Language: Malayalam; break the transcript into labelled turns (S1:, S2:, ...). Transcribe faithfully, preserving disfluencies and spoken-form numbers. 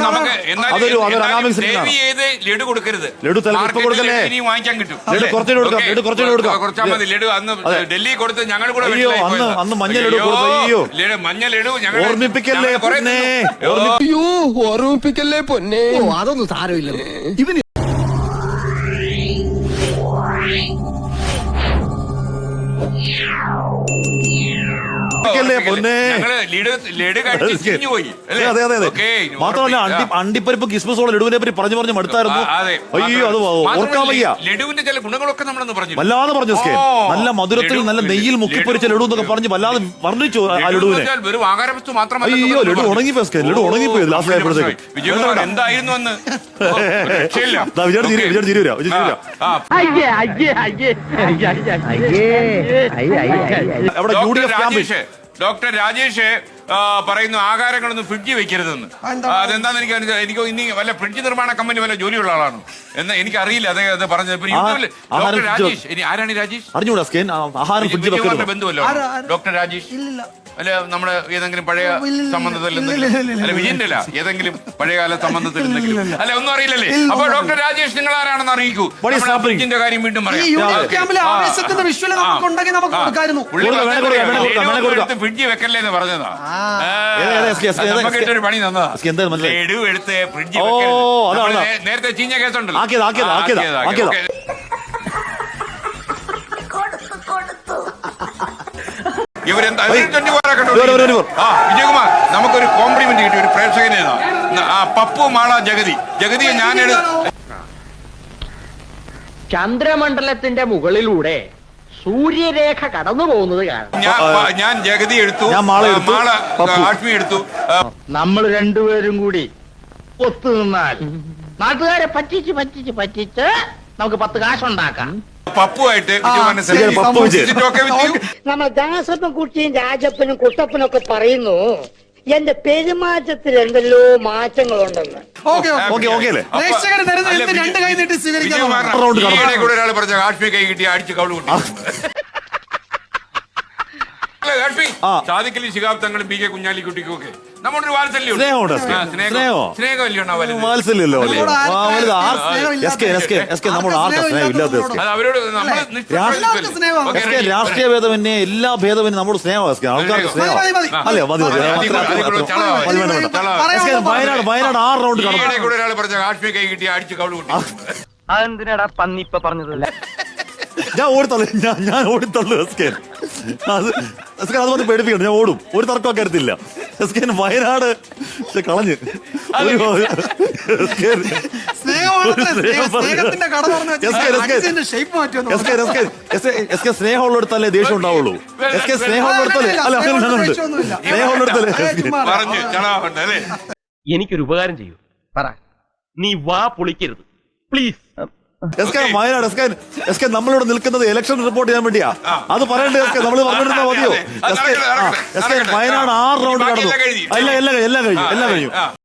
S1: അതൊരു അതൊരു അനാമിക്
S2: ലഡു കൊടുക്കരുത്.
S1: ലഡു ഇപ്പൊ കൊടുക്കല്ലേ?
S2: വാങ്ങിക്കാൻ കിട്ടും.
S1: ലഡു കുറച്ചു കൊടുക്കാം. ലഡു കുറച്ചു കൊടുക്കാം.
S2: കുറച്ചാൽ മതി. ലഡു അന്ന് ഡൽഹി കൊടുത്ത് ഞങ്ങൾ കൂടെ
S1: അയ്യോ അന്ന് അന്ന് മഞ്ഞ ലഡു കൊടുത്തു. അയ്യോ
S2: മഞ്ഞ ലഡു ഞങ്ങൾ
S1: ഓർമ്മിപ്പിക്കല്ലേ പൊന്നേ,
S3: അയ്യോ ഓർമ്മിപ്പിക്കല്ലേ പൊന്നേ.
S4: അതൊന്നും സാരമില്ല. ഇവന്
S1: മാത്രമല്ല അണ്ടിപ്പരിപ്പ് കിസ്മസോളം ലഡുവിനെ പറ്റി പറഞ്ഞു പറഞ്ഞു മടുത്തായിരുന്നു. അയ്യോ അത് ഓർക്കാൻ വയ്യ.
S2: ലഡുവിന്റെ ചില ഗുണങ്ങളൊക്കെ നമ്മളൊന്ന് പറഞ്ഞു
S1: വല്ലാതെ പറഞ്ഞു. നല്ല മധുരത്തിൽ നല്ല നെയ്യിൽ മുക്കിപ്പൊരിച്ച ലഡു എന്നൊക്കെ പറഞ്ഞ് വല്ലാതെ വർണ്ണിച്ചു ആ ലഡുവിനെ. അയ്യോ ലഡു ഉണങ്ങിപ്പോ ലഡു ഉണങ്ങിപ്പോയി ലാസ്റ്റ് ആയപ്പോഴത്തേക്ക്.
S2: എന്തായിരുന്നു അന്ന്
S1: വിജയുടെ ചിരി വിജയുടെ ചിരി വരാം വിജയ അവിടെ U D F camp.
S2: Doctor Rajesh പറയുന്നു ആഹാരങ്ങളൊന്നും ഫ്രിഡ്ജിൽ വെക്കരുതെന്ന്. അതെന്താന്ന് എനിക്ക് എനിക്ക് ഇനി വല്ല ഫ്രിഡ്ജ് നിർമ്മാണ കമ്പനി വല്ല ജോലിയുള്ള ആളാണ് എന്ന് എനിക്ക് അറിയില്ല. അതേ അത് പറഞ്ഞത് ഡോക്ടർ രാജേഷ്. ഇനി ആരാണ് രാജേഷ്?
S1: അറിഞ്ഞൂടാ.
S2: ബന്ധുവല്ലോ ഡോക്ടർ രാജേഷ്? അല്ല നമ്മുടെ ഏതെങ്കിലും പഴയ സംബന്ധത്തിൽ അല്ല വിജയന്റെ അല്ല ഏതെങ്കിലും പഴയകാല സംബന്ധത്തിൽ അല്ല ഒന്നും അറിയില്ലല്ലേ? അപ്പൊ ഡോക്ടർ രാജേഷ് നിങ്ങൾ ആരാണെന്ന് അറിയിക്കൂ. ഫ്രിഡ്ജിന്റെ കാര്യം വീണ്ടും പറയാം. ഫ്രിഡ്ജ് വെക്കല്ലേ എന്ന് പറഞ്ഞതാ. നമുക്കിട്ടൊരു പണി തന്നതാ. ലഡു എടുത്ത് ഫ്രിഡ്ജ് നേരത്തെ ചീഞ്ഞ കേസുണ്ടല്ലോ. ഇവരെന്താ വിജയകുമാർ നമുക്കൊരു കോംപ്ലിമെന്റ് കിട്ടി ഒരു പ്രേക്ഷകനെ. പപ്പു മാള ജഗതി ജഗതിയെ ഞാൻ
S5: ചന്ദ്രമണ്ഡലത്തിന്റെ മുകളിലൂടെ സൂര്യരേഖ കടന്നു പോകുന്നത് കാരണം
S2: ഞാൻ ജഗതി എടുത്തു, മാള ആഷ്മി എടുത്തു.
S5: നമ്മൾ രണ്ടുപേരും കൂടി ഒത്തുനിന്നാൽ നാട്ടുകാരെ പറ്റിച്ച് പറ്റിച്ച് പറ്റിച്ച് നമുക്ക് പത്ത് കാശുണ്ടാക്കാം.
S2: പപ്പുമായിട്ട്
S6: നമ്മൾ ദാസപ്പൻ കുട്ടിയും രാജപ്പനും കുട്ടപ്പനും ഒക്കെ പറയുന്നു എന്റെ പെരുമാറ്റത്തിൽ എന്തെല്ലോ മാറ്റങ്ങളുണ്ടെന്ന്.
S2: ഒരാൾ പറഞ്ഞ കാശ്മീർ കൈ കിട്ടി അടിച്ച് കവള് കൂട്ടി. സാദിഖലി ശിഹാബ് തങ്ങളും പി കെ കുഞ്ഞാലിക്കുട്ടിക്കും ഒക്കെ നമ്മുടെ ഒരു വാത്സല്യം
S1: വാത്സല്യല്ലോ. രാഷ്ട്രീയ ഭേദമന്യേ എല്ലാ ഭേദമന്യേ നമ്മുടെ സ്നേഹം ആൾക്കാർക്ക് സ്നേഹം അല്ലേ? മതി മതി. വയനാട് വയനാട് ആറ് റൗണ്ട്
S2: കൂടെ ഒരാൾ പറഞ്ഞ കാശ്മീർ കൈ കിട്ടി അടിച്ച് കവള് കൂട്ടി.
S5: അതെന്തിനാടാ പന്നിപ്പ പറഞ്ഞതല്ല.
S1: ഞാൻ ഓടിത്തള്ളു ഞാൻ ഞാൻ ഓടിത്തള്ളു എസ്കേൻ. അത് എസ്കേൻ അത് പറഞ്ഞ് പേടിപ്പിക്കണം. ഞാൻ ഓടും. ഒരു തർക്കം കരുത്തില്ല. എസ്കേൻ വയനാട് കളഞ്ഞ് സ്നേഹമുള്ളിടത്തല്ലേ ദേഷ്യം ഉണ്ടാവുള്ളൂ. എസ് കെ സ്നേഹമുള്ളിടത്തല്ലേ അല്ല അങ്ങനെയുണ്ട്. സ്നേഹമുള്ളിടത്തല്ലേ.
S7: എനിക്കൊരു ഉപകാരം ചെയ്യൂ. പറ. നീ വാ പൊളിക്കരുത് please.
S1: Wayanad S K S K നമ്മളിവിടെ നിൽക്കുന്നത് ഇലക്ഷൻ റിപ്പോർട്ട് ചെയ്യാൻ വേണ്ടിയാ. അത് പറയണ്ടേ എസ് കെ? നമ്മൾ പറഞ്ഞിരുന്നാ മതിയോ? S K S K Wayanad ആറ് റൗണ്ട് കടന്നു. എല്ലാം എല്ലാം എല്ലാം കഴിഞ്ഞു എല്ലാം കഴിഞ്ഞു.